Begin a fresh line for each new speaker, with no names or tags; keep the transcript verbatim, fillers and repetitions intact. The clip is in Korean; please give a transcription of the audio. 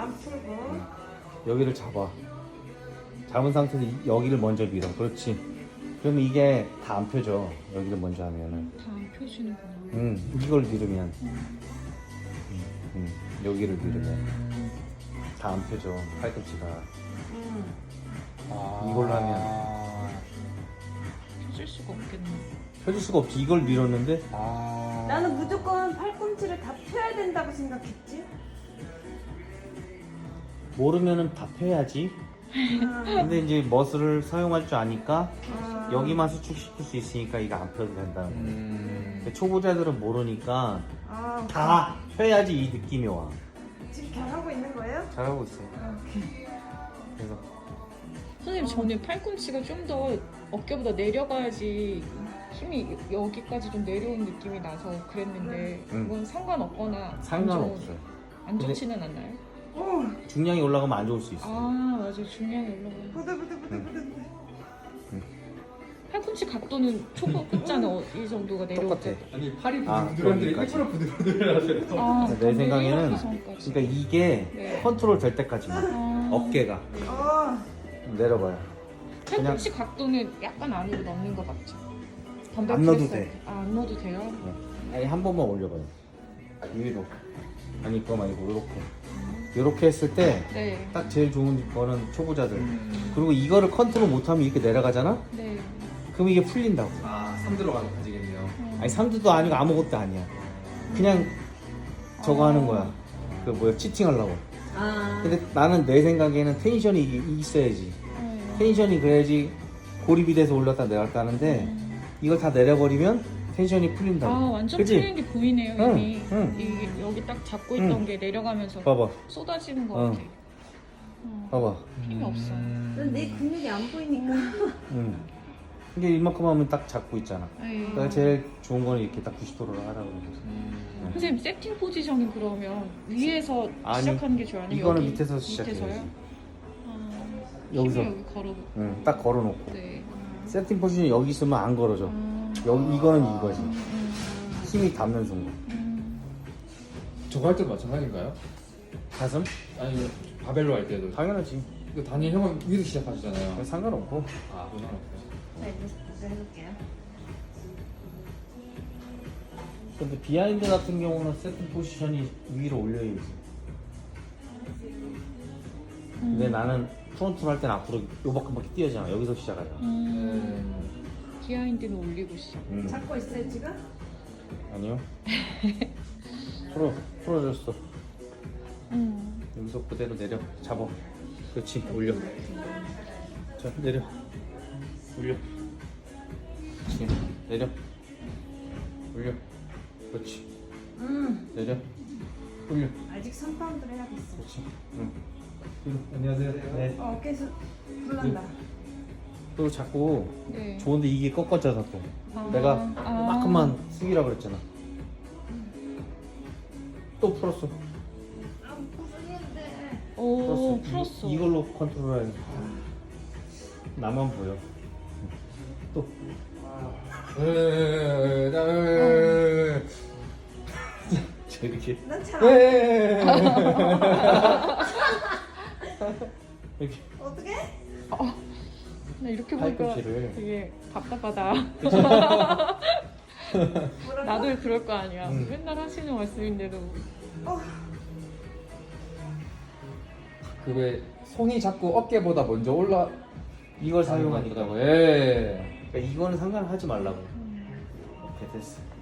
안 풀고.
여기를 잡아. 잡은 상태에서 이- 여기를 먼저 밀어. 그렇지. 그러면 이게 다 안 펴져. 여기를 먼저 하면은.
다 안 펴지는구나.
응, 이걸 밀으면. 응, 응. 여기를 밀으면. 다 안 펴져. 팔꿈치가.
음.
아...
이걸로 하면.
펴질 수가 없겠네.
펴질 수가 없지. 이걸 밀었는데.
아...
나는 무조건 팔꿈치를 다 펴야 된다고 생각했지.
모르면은 다 펴야지.
아,
근데 이제 머슬을 사용할 줄 아니까
아.
여기만 수축시킬 수 있으니까 이거 안 펴도 된다는 거야.
음...
근데 초보자들은 모르니까
아,
다 펴야지 이 느낌이 와.
지금 잘하고 있는 거예요?
잘하고 있어.
아, 오케이.
그래서
선생님 저는 팔꿈치가 좀 더 어깨보다 내려가야지 힘이 여기까지 좀 내려온 느낌이 나서 그랬는데
음.
그건 상관없거나
상관없어요.
안 좋지는 않나요?
오,
중량이 올라가면 안 좋을 수 있어.
아 맞아요. 중량이 올라가요.
부들부들부들부들.
팔꿈치 각도는 초보 끝자는 어, 이 정도가 내려올
똑같아.
때.
아니 팔이
아,
부들부들한데
여기까지.
일부러 부들부들 하세요.
아,
내 생각에는
선까지.
그러니까 이게
네.
컨트롤 될 때까지만
아,
어깨가
네.
어,
내려봐요.
팔꿈치 각도는 약간 안으로 넣는 거 맞죠? 덤벨
안 넣어도
프레스
돼.
할 때. 아, 안 넣어도 돼요?
아니 한 번만 올려봐요. 위로. 아니 그거 말고 이렇게. 이렇게 했을 때 딱
네.
제일 좋은 거는 초보자들.
음...
그리고 이거를 컨트롤 못하면 이렇게 내려가잖아?
네.
그럼 이게 풀린다고.
아, 삼 들어가는 가지겠네요.
음.
아니 삼두도 아니고 아무것도 아니야. 그냥 저거
아.
하는 거야. 그 뭐야 치팅하려고.
아.
근데 나는 내 생각에는 텐션이 이- 있어야지.
네.
텐션이 그래야지 고립이 돼서 올렸다 내렸다 하는데
음.
이걸 다 내려버리면 텐션이 풀린다고.
아 완전
그치?
풀린 게 보이네요
응,
이미.
응.
이게 여기 딱 잡고 있던
응.
게 내려가면서
봐봐,
쏟아지는 것
어.
같아. 어.
봐봐.
힘이 없어.
넌 내 근육이 안 보이니까.
응. 이게 이만큼 하면 딱 잡고 있잖아.
에이.
그러니까 제일 좋은 거는 이렇게 딱 구십 도로 하라고 그러는 거지.
음...
선생님 세팅 포지션은 그러면 위에서
아니,
시작하는 게 좋아요? 아니면
이거는
여기
밑에서 시작해야지.
밑에서요? 아,
여기서.
힘을 여기 걸어.
응, 딱 걸어놓고.
네.
세팅 포지션이 여기 있으면 안 걸어져.
아.
여기 이거는 이거지.
음, 음,
힘이 닿는 순간.
음.
저거 할 때도 마찬가지인가요?
가슴?
아니 바벨로 할 때도
당연하지.
이거 단일 형은 위에서 시작하시잖아요.
상관없고.
아, 그건 없어요.
네, 이제 해볼게요.
근데 비하인드 같은 경우는 세팅 포지션이 위로 올려야지. 근데 나는 프론트로 할 때는 앞으로 요밖에밖에 뛰어잖아. 여기서 시작하잖아.
음. 비하인드는 올리고 시작.
음.
잡고 있어요 지금?
아니요. 풀어, 풀어줬어.
음.
여기서 그대로 내려, 잡아. 그렇지, 올려. 자, 내려. 올려. 그렇지, 내려. 올려. 그렇지,
음,
내려. 올려.
아직 삼 파운드를 해야겠어.
그렇지. 응. 뒤로. 안녕하세요. 네.
어, 어깨에서 불난다.
또 자꾸
네.
좋은데 이게 꺾어져서 또.
아.
내가
아.
조금만 숙이라 그랬잖아. 또 풀었어.
아, 무슨인데?
오,
풀었어.
풀었어.
이, 이걸로 컨트롤해야지. 나만 보여. 또.
에, 나, 에,
이렇게.
난 잘.
에,
안-
에,
이렇게.
어떻게?
나 이렇게 보니까
팔꿈치를.
되게 답답하다.
뭐라고?
나도 그럴 거 아니야.
음.
맨날 하시는 말씀인데도.
어,
그왜 손이 자꾸 어깨보다 먼저 올라
이걸 사용하니까.
예.
그러니까 이거는 상관하지 말라고. 오케이 됐어.